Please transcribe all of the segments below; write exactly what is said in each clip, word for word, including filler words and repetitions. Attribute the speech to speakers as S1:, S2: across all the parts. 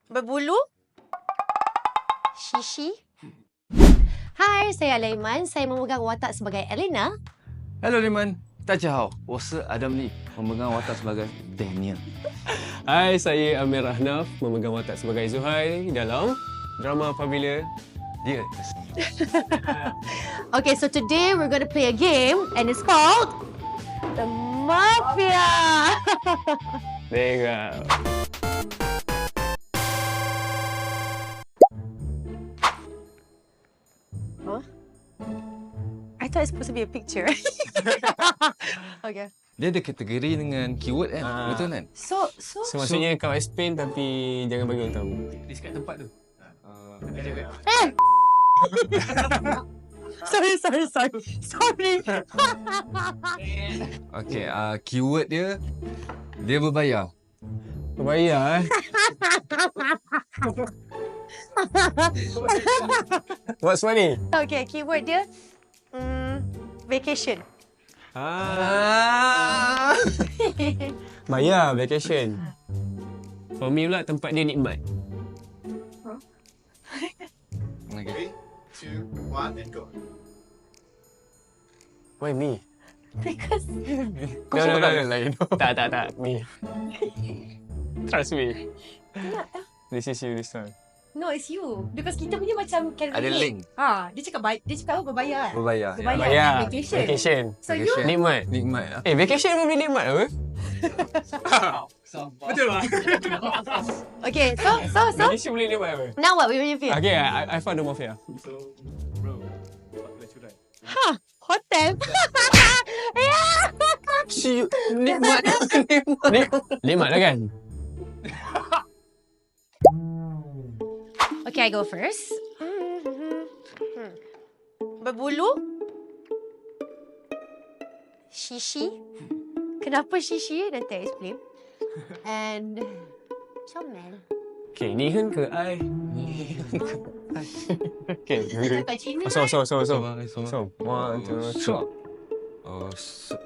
S1: Berbulu? Shishi? Hai, saya Alaiman. Saya memegang watak sebagai Elena.
S2: Hello, Liman. 大家好，我是 Adam Lee, memegang watak sebagai Daniel.
S3: Hai, saya Amir Rahnaf, memegang watak sebagai Zuhair dalam drama Apabila
S2: Dia.
S1: Okay, so today we're going to play a game and it's called The Mafia.
S3: There you go.
S1: Huh? I thought it's supposed to be a picture. Okay.
S2: Dia ada kategori dengan keyword kan?
S3: Ah.
S2: Betul kan?
S1: So, so,
S3: So, maksudnya kau explain tapi jangan bagi orang tahu.
S2: Describe tempat tu.
S1: eh! sorry, sorry, sorry. Sorry.
S2: Okay, uh, keyword dia, dia berbayar.
S3: Berbayar eh. What's funny?
S1: Okay, keyword dia mm, vacation.
S3: Ah. Bayar vacation. For me pula tempat dia nikmat.
S2: Okay.
S4: Two, one, and go.
S3: Why me?
S1: Because
S3: No, no, no, no. Lain. Tak, tak, tak. Me. Trust me. This is you this time.
S1: no, it's you. Because kita punya macam can
S2: Ada
S1: relate.
S2: link.
S1: Ha, dia cakap bay- dia cakap apa berbayar.
S2: Berbayar.
S1: Berbayar.
S3: Bayar.
S1: Vacation.
S3: Vacation.
S1: So
S2: Vacation.
S1: you
S3: Nikmat.
S2: Nikmat lah.
S3: Eh, vacation pun boleh nikmat apa? Betul lah.
S1: Okay, so so so
S3: Vacation boleh nikmat apa?
S1: now what will you feel?
S3: Okay, I, I found the mafia.
S1: Ha, hotel. yeah.
S3: Si nikmat. Nik, nikmat lah kan?
S1: Okay, I go first. Berbulu? Shishi? Kenapa shishi? Nanti I explain. And comel.
S3: Okay, ni kan ke I? Okay.
S1: Kat Cina.
S3: So, so, so, so.
S2: Sama, sama.
S3: So, one, two, three.
S2: So. Oh, so.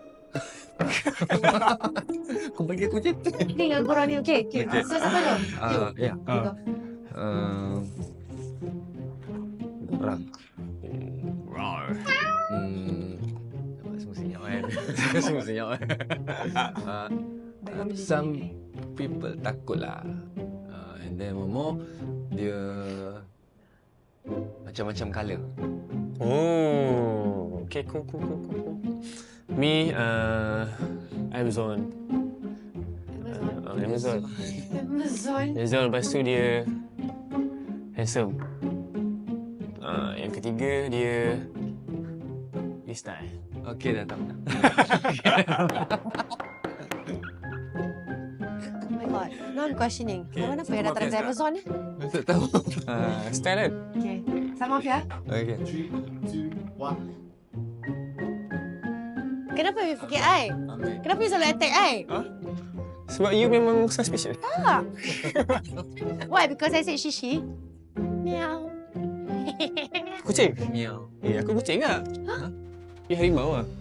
S2: Kau bagi aku je.
S1: Ni dengan korang ni, okay? Okay.
S2: Okay.
S1: So, siapa dulu?
S2: Ah, ya.
S1: You go.
S2: Uh, orang.
S3: Rawr.
S2: Hmm. Semua senyap kan? Semua senyap kan? Uh, uh, some people takut lah. Uh, and then one more, dia macam-macam colour.
S3: Oh, okay, cool, cool, cool, cool, cool. Me, uh, Amazon. Uh, Amazon.
S1: Amazon.
S3: Amazon, lepas tu dia handsome. Uh, yang ketiga, dia dia style.
S2: Okay dah, tak nak.
S1: Oh my god. Now I'm questioning.
S3: Okay,
S1: Orang apa
S3: so
S1: yang datang dari
S3: Mafia
S1: Amazon ni?
S2: Tak tahu.
S3: Uh, style kan?
S1: Okay. Sama Mafia.
S2: Okay.
S4: Three, two, one.
S1: Kenapa you fikir I? Kenapa you selalu attack I?
S3: Sebab you memang suspicious.
S1: Ah. Why? Because I said shishi. Meow.
S3: Kucing?
S2: Miau.
S3: Eh, aku kucing tak? Ha? Eh, harimau lah.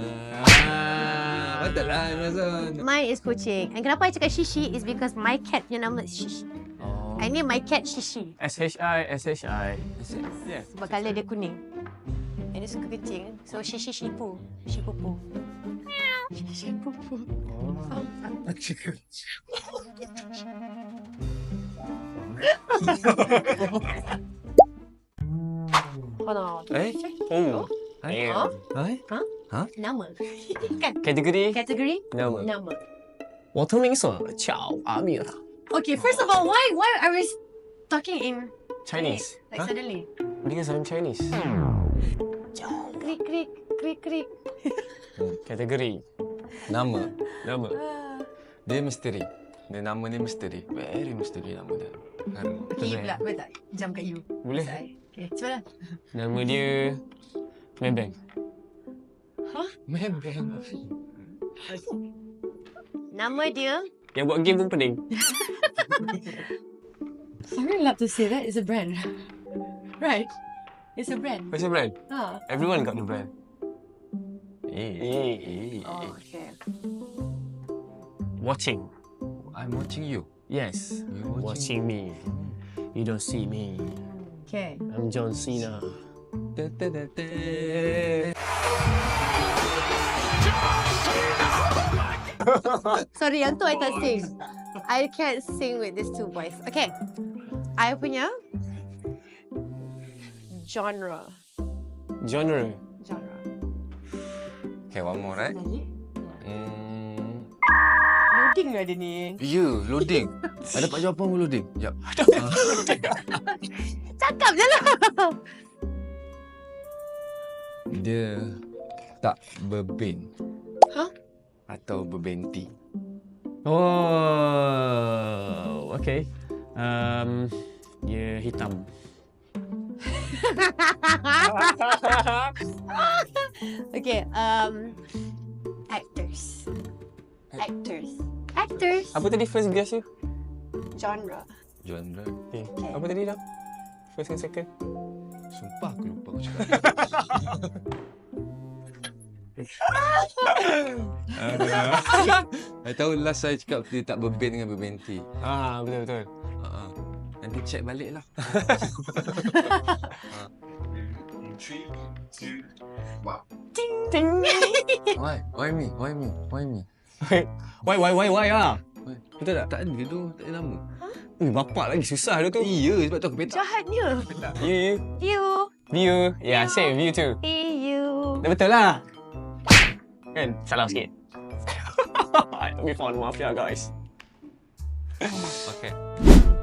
S2: Ah, betul lah Amazon.
S1: Mine is kucing. And kenapa I cakap shishi is because my cat punya nama is shishi.
S2: Oh.
S1: I name my cat Shishi.
S3: S H I, S H I. Yeah.
S1: Sebab colour dia kuning. And dia suka kucing. So Shishi Shipu. Shipupu. Shipupu. Hold on.
S2: Eh?
S3: Oh.
S2: Hai.
S3: Damn.
S2: Hai?
S1: Nama. Kan?
S3: Kategori?
S1: Kategori?
S3: Nama.
S1: Nama.
S3: 我的名字叫阿米尔
S1: Okay, first of all, why why are we talking in
S3: Chinese.
S1: Like
S3: Huh?
S1: suddenly.
S3: Because I'm Chinese.
S1: Krik krik krik krik.
S3: Kategori.
S2: Nama.
S3: Nama.
S2: Dia misteri. Dia nama dia misteri. Very misteri nama dia. Kan?
S1: Okay, you pula. Boleh tak? Jam kat you.
S3: Boleh.
S1: Okay, cepat lah.
S3: Nama dia Membeng.
S2: Membeng.
S1: Nama dia...
S3: Yang buat game pun pening.
S1: I'm really allowed to say that. It's a brand. Right? It's a brand.
S3: What's your brand?
S1: Ah.
S3: Everyone got the brand.
S2: Eh.
S3: Eh, eh,
S1: Oh,
S3: eh.
S1: okay.
S3: Watching.
S2: I'm watching you.
S3: Yes.
S2: You're
S3: Watching me. You don't see me.
S1: Okay.
S3: I'm John Cena.
S2: Da, da, da, da.
S1: Sorry, yang tu I tak sing. I can't sing with these two boys. Okay. I punya genre.
S3: Genre.
S1: Genre.
S2: Okay, one more, right? Hmm.
S1: Loading lah dia ni.
S2: Ya, yeah, loading. Ada dapat jawapan pun loading. Jap.
S1: Cakap je lah.
S2: Dia tak berben.
S1: Hah?
S2: Atau berbenti.
S3: Oh, okay. Um, dia hitam.
S1: Okay, um, actors. Actors. Actors.
S3: Apa tadi first guess you?
S1: Genre.
S2: Genre.
S3: Okay. Apa tadi dah? First and second.
S2: Sumpah aku lupa aku cakap. Saya tahu last saya cakap dia tak berben dengan berbenti.
S3: Ah, betul betul.
S2: Uh-huh. Nanti check balik lah.
S4: In three, two, one.
S1: Ting ting.
S2: Why? Why me? Why me? Why me?
S3: Why why why why ah?
S2: Why?
S3: Betul tak?
S2: Tak ada tu, tak ada nama.
S3: Eh, bapak lagi susah dia tu.
S2: Iya, sebab tu aku petak.
S1: Jahatnya.
S3: You,
S1: You.
S3: view. Yeah, same view too.
S1: You.
S3: Dah betul lah. Kan? Salah sikit. Let me find mafia guys.
S2: Okay.